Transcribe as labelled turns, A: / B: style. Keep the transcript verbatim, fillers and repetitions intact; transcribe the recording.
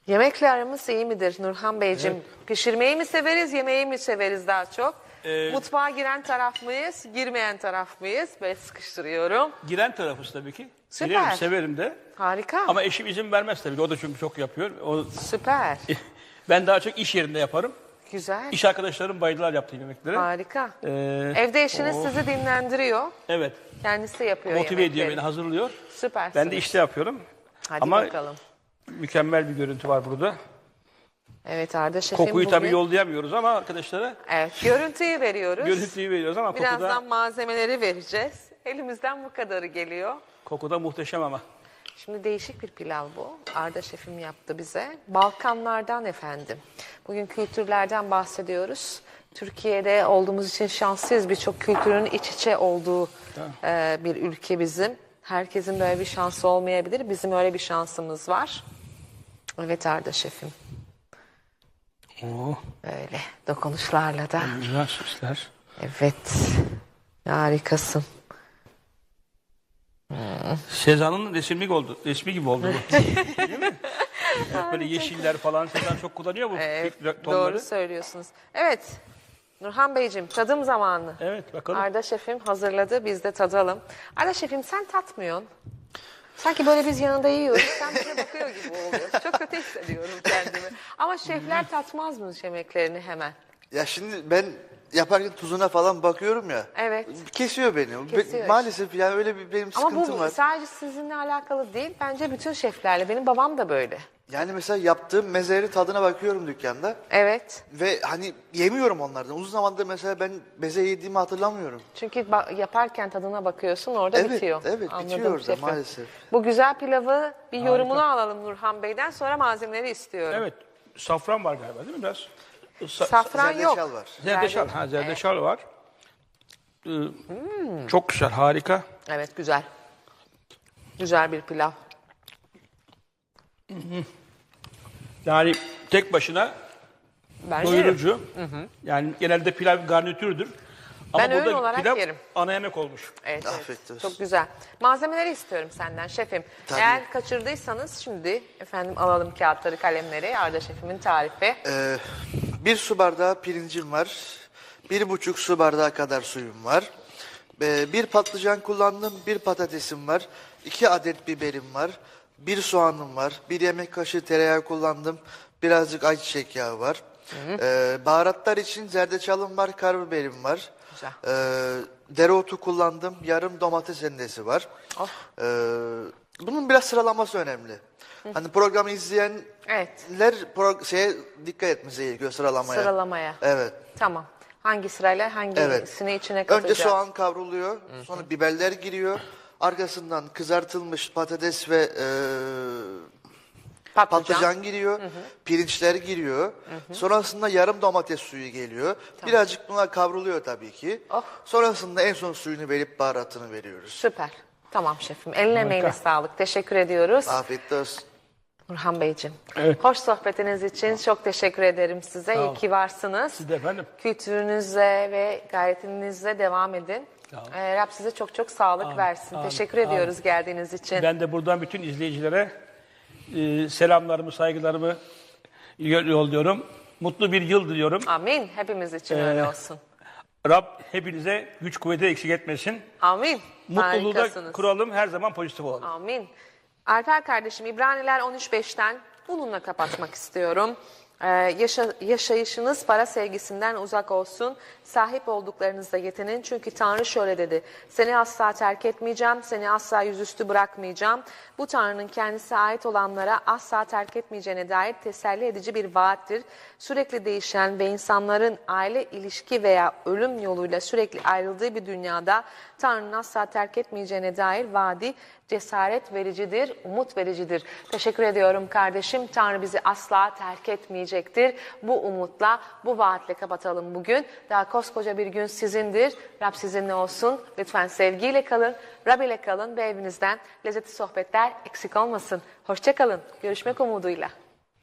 A: Yemekle aramız iyi midir Nurhan Beyciğim?
B: Evet.
A: Pişirmeyi mi severiz, yemeği mi severiz daha çok?
B: Ee,
A: Mutfağa giren taraf mıyız, girmeyen taraf mıyız? Ben sıkıştırıyorum.
B: Giren tarafız tabii ki.
A: Süper.
B: Girerim, severim de.
A: Harika.
B: Ama eşim izin vermez tabii ki. O da çünkü çok yapıyor. O,
A: Süper.
B: ben daha çok iş yerinde yaparım.
A: Güzel.
B: İş arkadaşlarım bayılırlar yaptığım yemeklere.
A: Harika.
B: Ee,
A: Evde eşiniz
B: oh.
A: sizi dinlendiriyor.
B: Evet.
A: Kendisi yapıyor
B: Motive ediyor
A: yemekleri.
B: beni, hazırlıyor.
A: Süpersiniz.
B: Ben de işte yapıyorum.
A: Hadi
B: Ama
A: bakalım.
B: mükemmel bir görüntü var burada.
A: Evet Arda Şef'im
B: Kokuyu
A: bugün...
B: tabii yollayamıyoruz ama arkadaşlara
A: Evet, görüntüyü veriyoruz.
B: görüntüyü veriyoruz ama
A: Birazdan
B: kokuda,
A: malzemeleri vereceğiz. Elimizden bu kadarı geliyor.
B: kokuda muhteşem ama.
A: Şimdi değişik bir pilav bu. Arda Şef'im yaptı bize. Balkanlardan efendim. Bugün kültürlerden bahsediyoruz. Türkiye'de olduğumuz için şanslıyız. Birçok kültürün iç içe olduğu e, bir ülke bizim. Herkesin böyle bir şansı olmayabilir. Bizim öyle bir şansımız var. Evet Arda Şef'im.
B: Oo,
A: Öyle dokunuşlarla da.
B: güzel süsler.
A: Evet. Harikasın.
B: Sezan'ın resimlik oldu. Resmi gibi oldu bu. Değil mi? Hep böyle yeşiller falan. Sezan çok kullanıyor bu
A: Evet,
B: tonları.
A: doğru söylüyorsunuz. Evet. Nurhan Beyciğim tadım zamanı.
B: Evet bakalım.
A: Arda Şef'im hazırladı. Biz de tadalım. Arda Şef'im sen tatmıyorsun. Sanki böyle biz yanında yiyoruz. Sen bize bakıyor gibi oluyor. Çok kötü hissediyorum kendimi. Ama şefler tatmaz mı yemeklerini hemen?
C: Ya şimdi ben yaparken tuzuna falan bakıyorum ya.
A: Evet.
C: Kesiyor beni.
A: Kesiyor
C: Be- maalesef yani öyle bir benim
A: Ama
C: sıkıntım
A: bu
C: var.
A: sadece sizinle alakalı değil. Bence bütün şeflerle. Benim babam da böyle.
C: Yani mesela yaptığım mezeleri tadına bakıyorum dükkanda
A: Evet.
C: ve hani yemiyorum onlardan. Uzun zamandır mesela ben meze yediğimi hatırlamıyorum.
A: Çünkü ba- yaparken tadına bakıyorsun orada
C: Evet,
A: bitiyor.
C: evet,
A: Anladım
C: bitiyor orada
A: şefim.
C: maalesef.
A: Bu güzel pilavı bir yorumunu alalım Nurhan Bey'den, sonra malzemeleri istiyorum.
B: Evet. Safran var galiba değil mi biraz? Sa-
A: Safran yok.
C: Zerdeçal var.
B: Zerdeçal. Ha, zerdeçal var. Ee, Çok güzel, harika.
A: Evet güzel. Güzel bir pilav.
B: Yani tek başına
A: Ben yerim.
B: doyurucu. Yani genelde pilav garnitürdür. Ama
A: Ben öğün
B: burada
A: olarak
B: pilav
A: yerim.
B: ana yemek olmuş.
A: Evet, evet.
C: Afiyet olsun.
A: Çok güzel. Malzemeleri istiyorum senden şefim.
C: Tabii.
A: Eğer kaçırdıysanız şimdi efendim alalım kağıtları, kalemleri. Arda Şef'imin tarifi.
C: Ee, bir su bardağı pirincim var. Bir buçuk su bardağı kadar suyum var. Ee, bir patlıcan kullandım. Bir patatesim var. İki adet biberim var. Bir soğanım var. Bir yemek kaşığı tereyağı kullandım. Birazcık ayçiçek yağı var. Ee, baharatlar için zerdeçalım var. Karabiberim var.
A: Güzel.
C: Ee, dereotu kullandım. Yarım domates rendesi var.
A: Oh.
C: Ee, bunun biraz sıralaması önemli. Hani programı izleyenler
A: Evet.
C: pro- şeye dikkat etmesi gerekiyor sıralamaya.
A: Sıralamaya.
C: Evet.
A: Tamam. Hangi sırayla hangisini
C: Evet.
A: içine katacağız?
C: Önce soğan kavruluyor. Sonra biberler giriyor. Arkasından kızartılmış patates ve e,
A: Patlıcan.
C: patlıcan giriyor. Pirinçler giriyor. Sonrasında yarım domates suyu geliyor. Birazcık bunlar kavruluyor tabii ki.
A: Oh.
C: Sonrasında en son suyunu verip baharatını veriyoruz.
A: Süper. Tamam şefim. Eline emeğine sağlık. Teşekkür ediyoruz.
C: Afiyet olsun.
A: Nurhan Beyciğim.
B: Evet.
A: Hoş sohbetiniz için çok teşekkür ederim size. İyi
B: olun.
A: ki varsınız.
B: Siz de efendim.
A: Kültürünüzle ve gayretinizle devam edin.
B: Sağ olun.
A: Ee, Rab size çok çok sağlık versin.
B: amin,
A: Teşekkür ediyoruz geldiğiniz için.
B: Ben de buradan bütün izleyicilere e, selamlarımı, saygılarımı yolluyorum. Mutlu bir yıl diliyorum.
A: Amin. Hepimiz için
B: Ee,
A: öyle olsun.
B: Rab hepinize güç kuvveti eksik etmesin.
A: Amin.
B: Mutluluğu da
A: Harikasınız.
B: kuralım, her zaman pozitif olalım.
A: Amin. Alper kardeşim İbraniler on üç beşten bununla kapatmak istiyorum. Ee, yaşa- yaşayışınız para sevgisinden uzak olsun. Sahip olduklarınızda yetinin. Çünkü Tanrı şöyle dedi. Seni asla terk etmeyeceğim. Seni asla yüzüstü bırakmayacağım. Bu Tanrı'nın kendisine ait olanlara asla terk etmeyeceğine dair teselli edici bir vaattir. Sürekli değişen ve insanların aile ilişki veya ölüm yoluyla sürekli ayrıldığı bir dünyada Tanrı'nın asla terk etmeyeceğine dair vaadi cesaret vericidir, umut vericidir. Teşekkür ediyorum kardeşim. Tanrı bizi asla terk etmeyecektir. Bu umutla, bu vaatle kapatalım bugün. Daha koskoca bir gün sizindir. Rab sizinle olsun. Lütfen sevgiyle kalın, Rab ile kalın ve evinizden lezzetli sohbetler eksik olmasın. Hoşça kalın. Görüşmek umuduyla.